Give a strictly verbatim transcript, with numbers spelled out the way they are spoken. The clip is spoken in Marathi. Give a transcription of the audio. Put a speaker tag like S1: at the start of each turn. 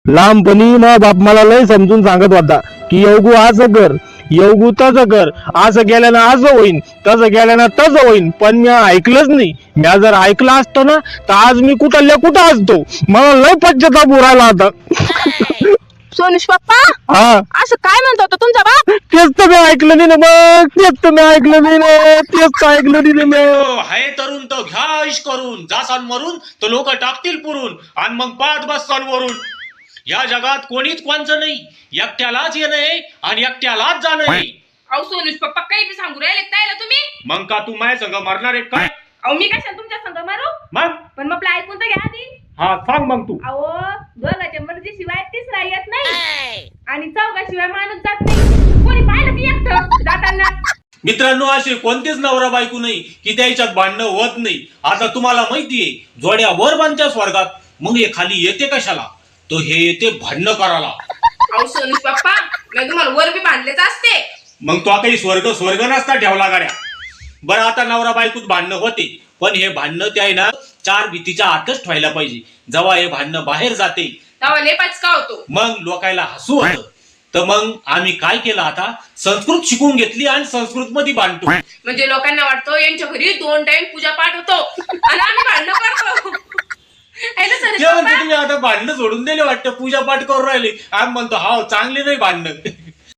S1: लहानपणी मग बाप मला लय समजून सांगत होता की येवगू असं कर, येवगू तसं कर, असं केल्यानं असं होईन, तसं केल्यानं तसं होईन. पण मी ऐकलंच नाही. मी जर ऐकलं असतं ना तर आज मी कुठल्या कुठं असतो. मला लय पश्चाताप उरायला आता.
S2: सोनुष पप्पा
S1: हा
S2: असं काय म्हणतो होता तुमचा बाप?
S1: तेच तर मी ऐकलं नाही ना मग, तेच तर मी ऐकलं नाही ना, तेच तर ऐकलं नाही ना मी.
S3: हाय तरुण तर घ्या इश करून, जासान मरून तर लोक टाकतील पुरून, आणि मग पाच बससान वरून. या जगात कोणीच कोणचं नाही, एकट्यालाच येणं आहे आणि एकट्यालाच जाणं आहे.
S4: अहो सोनुष पप्पा काही बी सांगू राहिले काय तुम्ही?
S3: मग का तू माझ्या संग मरणार आहे काय?
S4: अहो मी कशाला तुमच्या संग मारू?
S3: मग
S4: पण मग आपलं ऐकून तर घ्या आधी.
S3: हा सांग मग तू.
S4: अहो दोघांच्या मर्जीशिवाय तिसरा येत नाही आणि चौघाशिवाय माणूस जात नाही. कोणी पाहिलं की एकटं जाताना.
S3: मित्रांनो, असे कोणतेच नवरा बायको नाही की त्याच्यात भांडणं होत नाही. आता तुम्हाला माहितीये, जोड्या वर बांधच्या स्वर्गात, मग हे खाली येते कशाला? तो हे येते भांडणं करायला.
S4: अहो सोनुष पप्पा मी तुम्हाला वर बी बांधलेच असते.
S3: मग तो काही स्वर्ग स्वर्ग नसता ठेवला गाड्या. बरं, आता नवरा बायकोत भांडणं होते, पण हे भांडणं ते आहे ना चार भीतीच्या आतच ठेवायला पाहिजे. जेव्हा हे भांडणं बाहेर जाते
S4: तेव्हा लय पाचका होतो.
S3: मग लोकायला हसू होतं. तर मग आम्ही काय केलं, आता संस्कृत शिकून घेतली आणि संस्कृत मध्ये भांडतो.
S4: म्हणजे लोकांना वाटतं यांच्या घरी दोन टाइम पूजा पाठ होतो आणि आम्ही भांडणं करतो. है ना सोनुष
S3: ते म्हणतो
S4: पप्पा?
S3: तुम्ही आता भांडणं सोडून दिले वाटतं, पूजा पाठ करून राहिले. आम्ही म्हणतो हा चांगले नाही भांडणं.